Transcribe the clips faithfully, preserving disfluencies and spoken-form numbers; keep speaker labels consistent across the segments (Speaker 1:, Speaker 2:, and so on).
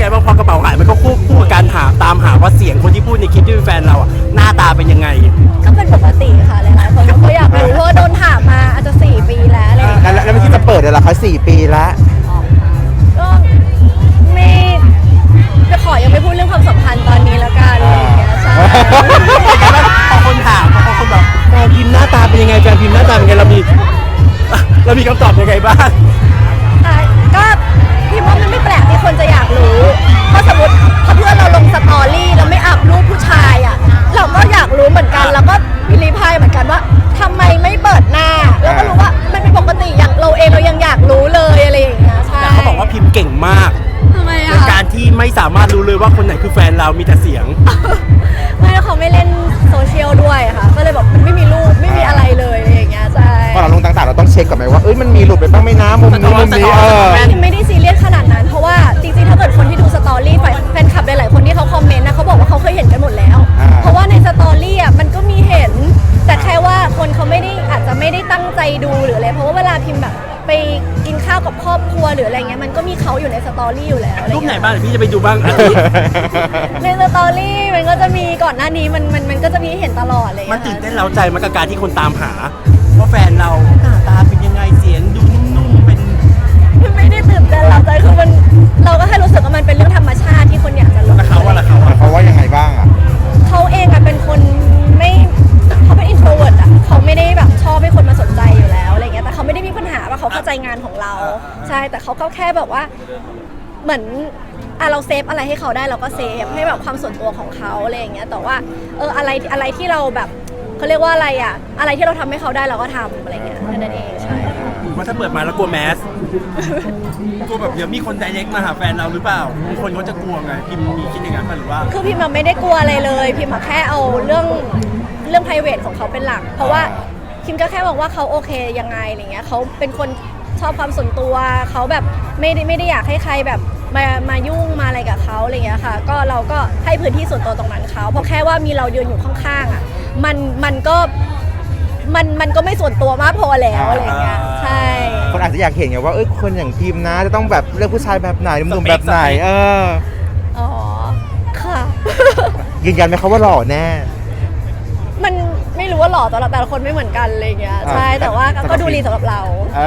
Speaker 1: ไงบ้างพอกระเป๋าหายมันก็คู่คู่กับการหาตามหาว่าเสียงคนที่พูดในคลิปที่เป็นแฟนเราอ่ะหน้าตาเป็นยังไง
Speaker 2: ก็เป็นปกติค่ะหลายๆคนก็อยากรู้เพราะว่าโดนถามมาอาจจะสี่ปีแล้วอะไรอย่างเงี้ย
Speaker 3: แล้วแล้วไม่คิดจะเปิดเลยเหรอคะสี่ปีละ
Speaker 2: ก็ไม่จะขอยังไม่พูดเรื่องความสัมพันธ์ตอนนี้แล้วกันอะไรอย่างเงี้ยใช่
Speaker 1: พอคนถามพอคนแบบแฟนพิมพ์หน้าตาเป็นยังไงแฟนพิมพ์หน้าตาเป็นยังไงเรามีเรามีคำตอบยังไงบ้าง
Speaker 2: ค่ะก็พี่ว่ามันไม่แปลกที่คนจะอยากรู้เพราะสมมติถ้าเพื่อนเราลงสตอรี่แล้วไม่อัพรูปผู้ชายอ่ะเราก็อยากรู้เหมือนกันแล้วก็รีพลายเหมือนกันว่าทำไมไม่เปิดหน้าแล้วก็รู้ว่ามันเป็นปกติอย่างเราเองเรายังอยากรู้เลยอะไรอย่างเงี้ยใช่
Speaker 1: แต่เขาบอกว่าพิมพ์เก่งมาก
Speaker 2: ทำไมอ่ะ
Speaker 1: ในการที่ไม่สามารถรู้เลยว่าคนไหนคือแฟนเรามีแต่เสียง
Speaker 2: ไม่เขาไม่เล่นโซเชียลด้วยค่ะก็เลยแบบมันไม่มีรูปไม่มีอะไรเลยอะไรอย่างเงี้ยใช่
Speaker 3: พอเราลงต่างๆเราต้องเช็คก่อนไหมว่าเอ้ยมันมีหลุดไปบ้างไหมนะมุมนี้มุมนี้เออ
Speaker 2: ไม่ได้ซีเรียสขนาดนั้นเพราะว่าจริงๆถ้าเกิดคนที่ดูสตอรี่แฟนคลับหลายๆคนที่เขาคอมเมนต์นะเขาบอกว่าเขาเคยเห็นกันหมดแล้วเพราะว่าในสตอรี่อ่ะมันก็มีเห็นแต่แค่ว่าคนเขาไม่ได้อาจจะไม่ได้ตั้งใจดูหรืออะไรเพราะว่าเวลาพิมพ์แบบไปกินข้าวกับครอบครัวหรืออะไรเงี้ยมันก็มีเขาอยู่ในสตอรี่อยู่แล้ว
Speaker 1: รูปไหนบ้างเดี๋ยวพี่จะไปดูบ้างอาทิตย์
Speaker 2: ในสตอรี่มันก็จะมีก่อนหน้านี้มันมันมันก็จะมีเห็นตลอดเลย
Speaker 1: มันตื่นเต้นเร้าใจมันกับการที่คนตามหาว่าแฟนเราหน้าตาเป็นยังไงเสียงดูนุ่มๆเป็น
Speaker 2: ไม่ได้ตื่นเต้นเราใจคือมันเราก็แค่รู้สึกว่ามันเป็นเรื่องธรรมชาติที่คนอยากจะรู้
Speaker 1: แล้วเขาว่าล่ะเขา
Speaker 3: เขาว่ายังไงบ้างอ่ะ
Speaker 2: เขาเองอะเป็นคนไม่เขาเป็น introvert อะเขาไม่ได้แบบชอบให้คนมาสนใจอยู่แล้วอะไรเงี้ยแต่เขาไม่ได้มีปัญหาว่าเขาเข้าใจงานของเราใช่แต่เขาก็แค่แบบว่าเหมือนอะเราเซฟอะไรให้เขาได้เราก็เซฟให้แบบความส่วนตัวของเขาอะไรอย่างเงี้ยแต่ว่าเอออะไรอะไรที่เราแบบเขาเรียกว่าอะไรอะอะไรที่เราทำให้เขาได้เราก็ทำอะไรเงี้ยนั่นเองใช่
Speaker 1: ว่าถ้าเปิดมาแล้วกลัวแมสกลัวแบบเดี๋ยวมีคนไดเรกมาหาแฟนเราหรือเปล่าบางคนเขาจะกลัวไงพิมมีคิดอย่างนั้นหรือว่า
Speaker 2: คือพิมไม่ได้กลัวอะไรเลยพิมแค่เอาเรื่องเรื่อง private ของเขาเป็นหลักเพราะว่าพิมก็แค่บอกว่าเขาโอเคยังไงอะไรเงี้ยเขาเป็นคนชอบความส่วนตัวเขาแบบไม่ได้ไม่ได้อยากให้ใครแบบมามายุ่งมาอะไรกับเขาอะไรเงี้ยค่ะก็เราก็ให้พื้นที่ส่วนตัวตรงนั้นเขาเพราะแค่ว่ามีเรายืนอยู่ข้างๆอ่ะมันมันก็มันมันก็ไม่ส่วนตัวมากพอแล้วอะไรเงี้ยใช่
Speaker 3: คนอาจจะอยากเห็นไงว่าเอ้ยคนอย่างพิมนะจะต้องแบบเลือกผู้ชายแบบไหนหนุ่มๆแบบไหนเออ
Speaker 2: อ๋อค่ะ
Speaker 3: ยืนยันไหมเขาว่าหล่อแน่
Speaker 2: มันไม่รู้ว่าหล่อแต่ละแต่ละคนไม่เหมือนกันอะไรเงี้ยใช่แต่ว่าก็ดูดีสำหรับเรา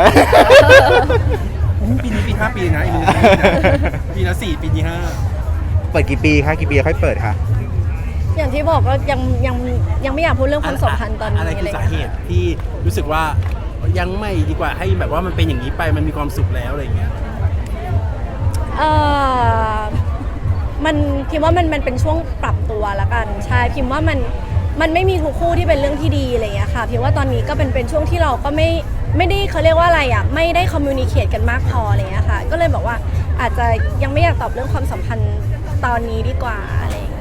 Speaker 1: ปีนี้ปีห้าปีนะอีกหนึ่งปีละสี่ปีที่ห้า
Speaker 3: เปิดกี่ปีคะกี่ปีค่อยเปิดคะ
Speaker 2: อย่างที่บอกก็ยังยังยังไม่อยากพูดเรื่องความสัมพันธ์ตอนนี้
Speaker 1: อะไรคือสาเหตุที่รู้สึกว่ายังไม่ดีกว่าให้แบบว่ามันเป็นอย่างนี้ไปมันมีความสุขแล้วอะไรอย่างเงี้ย
Speaker 2: เออมันพิมว่ามันมันเป็นช่วงปรับตัวละกันใช่พิมว่ามันมันไม่มีทุกคู่ที่เป็นเรื่องที่ดีอะไรเงี้ยค่ะพิมว่าตอนนี้ก็เป็นเป็นช่วงที่เราก็ไม่ไม่ได้เขาเรียกว่าอะไรอ่ะไม่ได้คอมมิวนิเคตกันมากพออะไรเงี้ยค่ะก็เลยบอกว่าอาจจะยังไม่อยากตอบเรื่องความสัมพันธ์ตอนนี้ดีกว่าอะไรอย่างเงี้ย